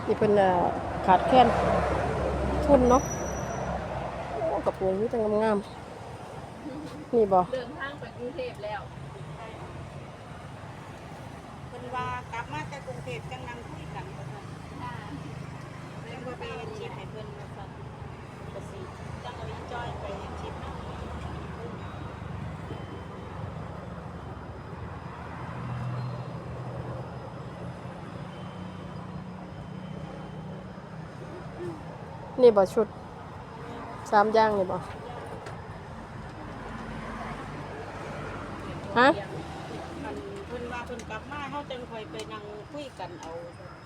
นี่เป็นขาดแคลนทุนเนาะโอ้กระโปรงนี่แต่งามๆนี่บ่เดินทางไปกรุงเทพแล้วเพิ่นว่ากลับมาจากกรุงเทพจังนั่งคุยกันว่าซั่นแล้วก็ไปเฮ็ดชิปให้เพิ่นว่าซั่นก็สิจังเอาอีจ้อยไปเฮ็ดชิปเนาะนี่บ่ชุด3อย่างนี่บ่ฮะมันเพิ่นว่าเพิ่นกลับมาเฮาจังค่อยไปนั่งคุยกันเอา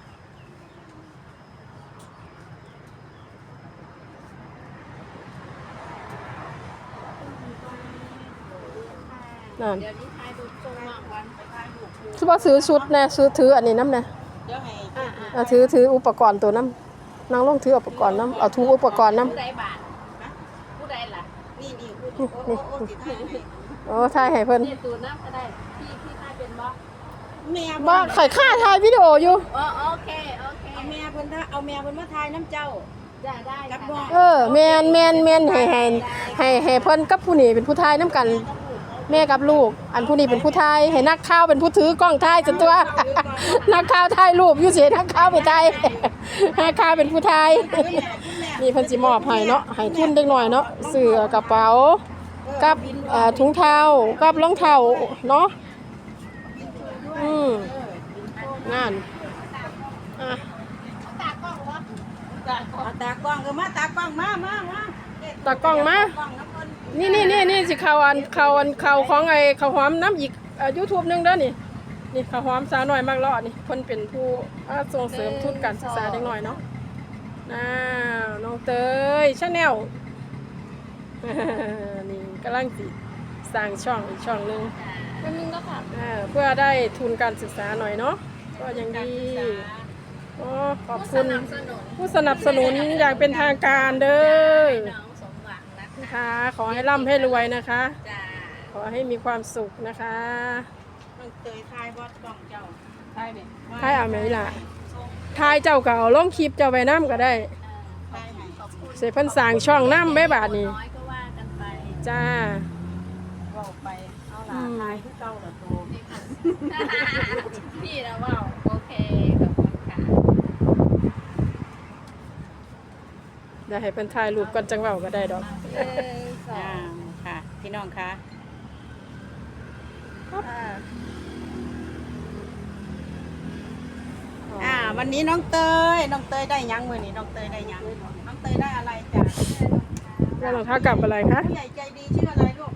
นั่นเดี๋ยวนี้ถ่ายรูปส่งมากวันไปถ่ายรูปคู่สิบ่ซื้อชุดแน่ซื้อถืออันนี้นำแน่เดี๋ยวให้ถืออุปกรณ์ตัวน้ำนางลงถืออุปกรณ์น้ำเอาทุกอุปกรณ์น้ผู้ใดบาทผู้ใดล่ะนี่พูดโอ้สิถ่ายให้ำโอ้ถ่ายให้เพิ่นนี่ตูน้ำก็ได้พี่ถ่ายเป็นบ่แม่บ่ข่อยค่าถ่ายวิดีโออยู่อ๋อโอเคเอาแม่เพิ่นมาถ่ายน้ำเจ้าได้กับบ่แม่นให้เพิ่นกับผู้นี้เป็นผู้ถ่ายนํกัน แม่กับลูก อันผู้นี้เป็นผู้ถ่ายให้นักข่าวเป็นผู้ถือกล้องถ่ายจนตัว นักข่าวถ่ายรูปอยู่เสินักข่าวไปถ่าย นักข่าวเป็นผู้ถ่าย นี่เพิ่นสิมอบให้เนาะให้ทุนเด็กน้อยเนาะเสื้อกระเป๋ากับถุงเท้ากับรองเท้าเนาะงานอ่ะเอาตากล้องมาตากล้องมาตากล้องมากล้องน้ำเพิ่นนี่สิข่าวของไอ้ข้าวหอมน้ำอีกYouTube นึงเด้อนี่ข้าวหอมสาวน้อยมากเลาะนี่เพิ่นเป็นผู้ส่งเสริมทุนการศึกษาเด็กน้อยเนาะน้องเตย Channel นี่กำลังสิสร้างช่องอีกช่องนึงมันนึงก็ค่ะเพื่อได้ทุนการศึกษาหน่อยเนาะก็ยังดีขอบคุณผู้สนับสนุนอย่างเป็นทางการเด้อน้องสมหวังนะคะค่ะขอให้ร่ำให้รวยนะคะจ้าขอให้มีความสุขนะคะน้องเตยถ่ายบ่กล้องเจ้าถ่ายเนี่ยทายเอาไหมล่ะทายเจ้าก็เอาลงคลิปเจ้าไปน้ำก็ได้ถ่ายให้ขอบคุณเสพเพิ่นสร้างช่องน้ำแม่บาทนี่น้อยก็ว่ากันไปจ้าเว้าไปเอาล่ะถ่ายคือเก่าล่ะโตพี่นะว่าโอเคขอบคุณค่ะได้ให้เพิ่นถ่ายรูปก่อนจังเว้าก็ได้ดอกค่ะพี่น้องคะวันนี้น้องเตยได้ยังมื้อนี้น้องเตยได้ยังน้องเตยได้อะไรจ้ะแล้วรองเท้ากลับอะไรคะผู้ใหญ่ใจดีชื่ออะไรลูก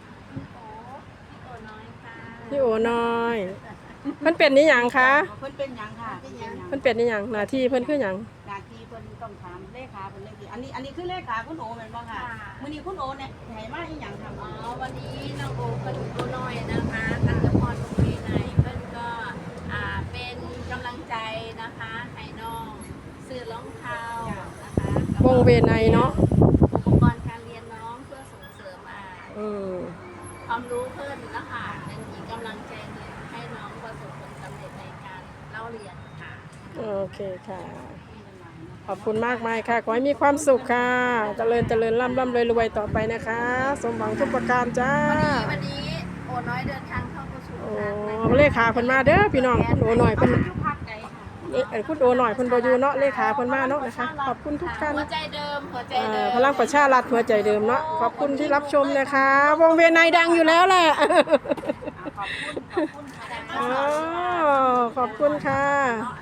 พี่โอน้อยเพิ่นเป็นนี่หยังคะเพิ่นเป็นหยังค่ะเป็นหยังเพิ่นเป็นนี่หยังหน้าที่เพิ่นคือหยังหน้าที่เพิ่นต้องถามเลขาเพิ่นเลยสิอันนี้คือเลขาคุณโอแม่นบ่ค่ะมื้อนี้คุณโอเนี่ยให้มาอีหยังค่ะอ๋อวันนี้น้องโอเป็นตัวน้อยนะคะกันตะพรโรงเรียนไหนเพิ่นก็เป็นกำลังใจนะคะให้น้องซื้อรองเท้านะคะวงเวไนเนาะอุปกรณ์การเรียนน้องเพื่อส่งเสริมความรู้เพิ่มนะคะเป็นอีกกำลังใจหนึ่งให้น้องประสบผลสำเร็จในการเล่าเรียนค่ะโอเคค่ะ ขอบคุณมากมายค่ะ ขอให้มีความสุขค่ะ เจริญร่ำรวยต่อไปนะคะ สมหวังทุกประการจ้าวันนี้โอน้อยเดินทางเข้าประชุมโอ้กันเลขาเพิ่นมาเด้อพี่น้องคุณโอหน่อยเพิ่นอยู่ภาคใดค่ะคุณโอหน่อยเพิ่นบ่อยู่เนาะเลขาเพิ่นมาเนาะนะคะ ขอบคุณทุกท่านหัวใจเดิมหัวใจเดิมพลังประชารัฐหัวใจเดิมเนาะ ขอบคุณที่รับชมนะคะ วงเวียนในดังอยู่แล้วแหละขอบคุณค่ะขอบคุณค่ะอ